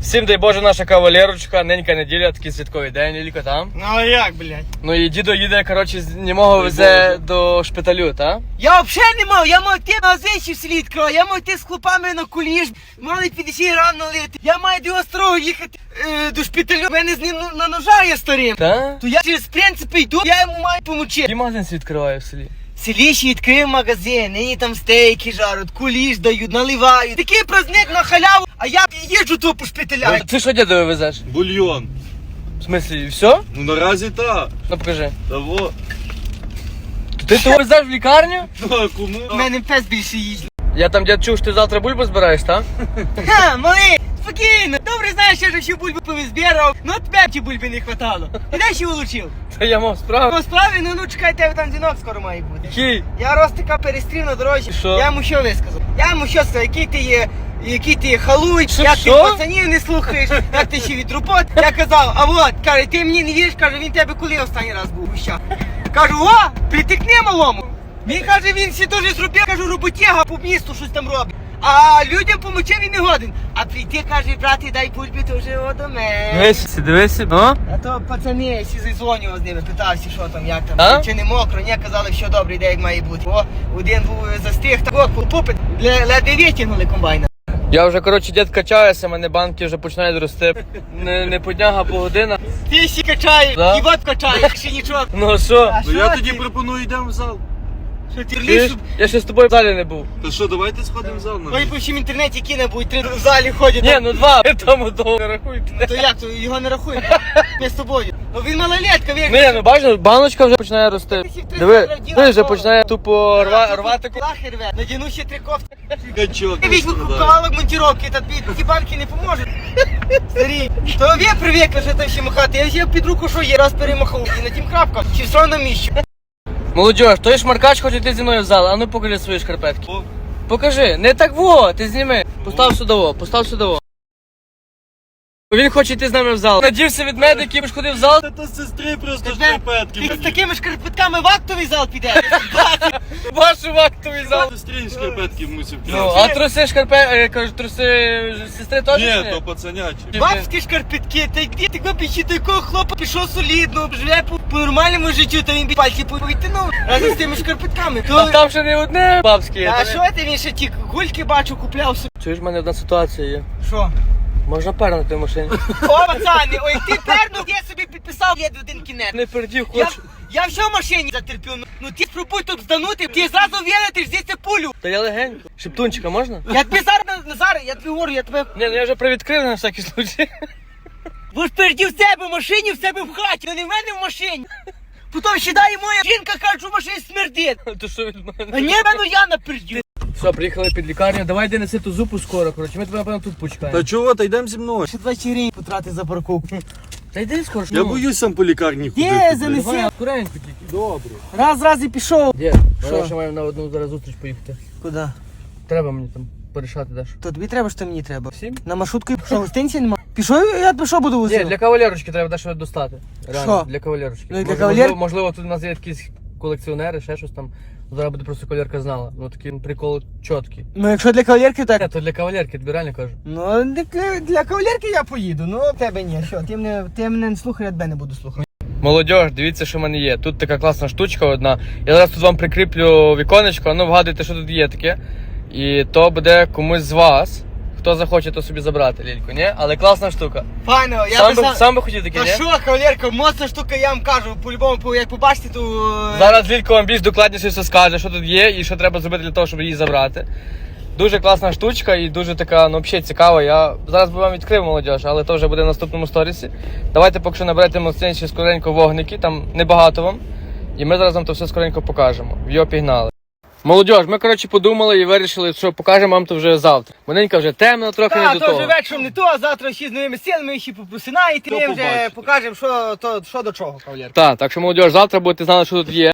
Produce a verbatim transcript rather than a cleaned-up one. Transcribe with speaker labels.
Speaker 1: Всім дай Боже, наша кавалерочка, ненька неділя, такий святковий день, Лілько там.
Speaker 2: Ну а як, блядь?
Speaker 1: Ну і дідо їде, коротше, з німого везе до шпиталю, та?
Speaker 2: Я взагалі не мав, я мав йти на озичі в селі відкрою, я мав йти з хлопами на куліш, мали п'ятдесят грам налити. Я маю до острова їхати е, до шпиталю, в мене з ним на ножа є старим.
Speaker 1: Та?
Speaker 2: То я через принципи йду, я йому маю помочити.
Speaker 1: Який магазин відкриває в селі?
Speaker 2: В селі ще відкрив магазин, нині там стейки жаруть, куліш дають, наливають. Такий праздник на халяву, а я їжджу тут по шпиталях.
Speaker 1: Ти що дідові везеш?
Speaker 3: Бульйон.
Speaker 1: В смислі, все?
Speaker 3: Ну наразі так.
Speaker 1: Ну покажи.
Speaker 3: Того.
Speaker 1: Ти того везеш в лікарню?
Speaker 3: Ну а кому?
Speaker 2: У мене пес більше їсть.
Speaker 1: Я там дід чув, що ти завтра бульбу збираєш, так?
Speaker 2: Ха, малий, спокійно. Добре знаєш, що я ще бульби повизбирав, ну от тебе ті бульби не хватало. І де ще улучив?
Speaker 1: Та я мав справу.
Speaker 2: По справі, ну ну чекай, тебе там дзвінок скоро має бути.
Speaker 1: Який?
Speaker 2: Я Ростика перестрів на дорозі.
Speaker 1: Що?
Speaker 2: Я йому що висказав? Я йому що сказав, який ти є, який ти є халуй,
Speaker 1: Що,
Speaker 2: як ти
Speaker 1: що?
Speaker 2: пацанів не слухаєш, як ти ще від робот. Я казав, а от, каже, ти мені не віриш, каже, він тебе коли останній раз був у щах. Кажу, о, притикни малому. Він каже, він всі дуже зробив, кажу, роботяга по місту щось там робить. А людям помочив він не годен. А прийти, каже, брати, дай бульбі, то вже о до мене.
Speaker 1: Дивися, дивися, ну?
Speaker 2: А то пацани, всі зізвонював з ними, питався, що там, як там,
Speaker 1: А?
Speaker 2: чи не мокро, ні, казали, що добре, де як має бути. О, один був застиг, так о, попит, ледве витягнули комбайна.
Speaker 1: Я вже, коротше, дід качаюся, мене банки вже починають рости. Не, не по днях, а по годинах.
Speaker 2: Ти ще качаєш,
Speaker 1: Да?
Speaker 2: і вот качаєш, ще нічого.
Speaker 1: Ну а що?
Speaker 2: А
Speaker 3: Ну я
Speaker 2: що
Speaker 3: тоді
Speaker 2: ти?
Speaker 3: пропоную йдемо в зал.
Speaker 2: Що ти
Speaker 1: Чуєш?
Speaker 2: ліс?
Speaker 1: Я ще з тобою в залі не був.
Speaker 3: Та що, давайте сходимо в зал на
Speaker 2: Ой, по всім інтернеті кіне будуть, три в залі ходять.
Speaker 1: Ні, ну два. Тому того не рахуйте.
Speaker 2: То як, то його не рахуємо, ми з тобою. Ну він малолетка, вік.
Speaker 1: Ні, ну бачиш, баночка вже починає рости. Диви, ти вже починає тупо рва, рвати. ку-
Speaker 2: Лахи рве, надіну ще три кофти.
Speaker 3: качок.
Speaker 2: Ти візьми кавалок монтіровки, та тобі ті банки не поможуть. Старі, то ви привикли, що там ще махати. Я взяв під руку, що є, раз перемахав, і на тім крапка, чи все на місці.
Speaker 1: Молодіж, той шмаркач хоче йти зі мною в зал, а ну покажи свої шкарпетки.
Speaker 3: О,
Speaker 1: Покажи, не так во, ти зніми. Постав сюди, постав сюди. Він хоче йти з нами в зал. Надівся від медиків, ходив в зал.
Speaker 3: Та то з сестри просто
Speaker 2: Тебе-
Speaker 3: шкарпетки.
Speaker 2: Ти з такими шкарпетками в актовий зал підеш.
Speaker 1: Вашу вактовий зал.
Speaker 3: Сестрі шкарпетки мусив.
Speaker 1: Ну, а труси шкарпе, е, кажу, труси сестри теж? чи
Speaker 3: Ні, то пацанячі.
Speaker 2: Бабські шкарпетки, та йди ти копічі до якого хлопа пішов солідно, живе по, по нормальному життю, та він бі- пальці повитягнув разом з тими шкарпетками.
Speaker 1: А
Speaker 2: То...
Speaker 1: там ще не одне бабське є.
Speaker 2: А
Speaker 1: та
Speaker 2: що ти, він ще ті гульки бачу, купляв собі.
Speaker 1: Чуєш, в мене одна ситуація є.
Speaker 2: Що?
Speaker 1: Можна пернути в машині?
Speaker 2: О, пацани, ой, ти пернув, я собі підписав, я один кінець.
Speaker 1: Не пердів,
Speaker 2: Я,
Speaker 1: хочу.
Speaker 2: я все в машині затерпів, ну, ну ти спробуй тут зданути, ти зразу вілитиш звідси пулю.
Speaker 1: Та я легенько. Шептунчика можна?
Speaker 2: Я тобі зараз, Назар, я тобі говорю, я тебе...
Speaker 1: Ні, ну я вже привідкрив на всякий случай.
Speaker 2: Ви ж перді в себе в машині, в себе в хаті, а не в мене в машині. Потім сідає моя жінка, каже, що в машині смердить.
Speaker 1: То що від
Speaker 2: А
Speaker 1: мене?
Speaker 2: ні, ну я напердю.
Speaker 1: Все, приїхали під лікарню. Давай йди неси ту зупу скоро, коротше. Ми тебе, напевно, тут почекаємо.
Speaker 3: Та чого, та йдемо зі мною.
Speaker 2: Ще двадцять гривень потрати за парковку.
Speaker 1: Та йди скоро.
Speaker 3: Я боюсь сам по лікарні
Speaker 2: Є,
Speaker 3: ходити.
Speaker 2: занеси.
Speaker 3: блядь.
Speaker 1: Давай, акуренько тільки.
Speaker 3: Добре.
Speaker 2: Раз, раз і пішов.
Speaker 1: Дід,
Speaker 2: Що?
Speaker 1: ми ще маємо на одну зараз зустріч поїхати.
Speaker 2: Куди?
Speaker 1: Треба мені там порішати даш.
Speaker 2: То тобі треба, що мені треба.
Speaker 1: Всім?
Speaker 2: На маршрутку, що гостинці нема? Пішов, я тебе що буду
Speaker 1: Ні,
Speaker 2: возити?
Speaker 1: для кавалерочки треба дещо достати. Реально,
Speaker 2: Що?
Speaker 1: для кавалерочки.
Speaker 2: Ну, і для
Speaker 1: Мож-
Speaker 2: кавалер-
Speaker 1: Можливо, можливо, тут у нас є якісь колекціонери, ще щось там. Зараз буде просто кавалерка знала. Ну такий прикол чіткий.
Speaker 2: Ну якщо для кавалерки, так.
Speaker 1: Ні, то для кавалерки, тобі реально кажу.
Speaker 2: Ну для, для кавалерки я поїду, ну тебе ні. Що, ти мене, ти мене не слухай, я тебе не буду слухати.
Speaker 1: Молодіж, дивіться, що в мене є. Тут така класна штучка одна. Я зараз тут вам прикріплю віконечко, ну вгадуйте, що тут є таке. І то буде комусь з вас. Хто захоче, то собі забрати, Лільку, ні? Але класна штука.
Speaker 2: Файно, я
Speaker 1: Сам
Speaker 2: би
Speaker 1: би,
Speaker 2: сам...
Speaker 1: сам би хотів таке,
Speaker 2: Та
Speaker 1: ні?
Speaker 2: що, кавалерка, моцна штука, я вам кажу, по-любому, по- як побачите, то... е,
Speaker 1: Зараз Лілько вам більш докладніше все скаже, що тут є і що треба зробити для того, щоб її забрати. Дуже класна штучка і дуже така, ну взагалі цікава. Я зараз би вам відкрив, молодіж, але то вже буде в наступному сторісі. Давайте поки що наберете мосцинці скоренько вогники, там небагато вам. І ми зараз вам то все скоренько покажемо. Йо, пігнали. Молодіж, ми, коротше, подумали і вирішили, що покажемо вам то вже завтра. Маленька вже темно, трохи
Speaker 2: Та,
Speaker 1: не до
Speaker 2: то
Speaker 1: того.
Speaker 2: вже вечором не то, а завтра ще з новими силами, ще попросинаєте,
Speaker 3: То
Speaker 2: ми вже
Speaker 3: побачите.
Speaker 2: покажемо, що, то, що до чого, кавалерка.
Speaker 1: Так, так що, молодіж, завтра будете знати, що тут є.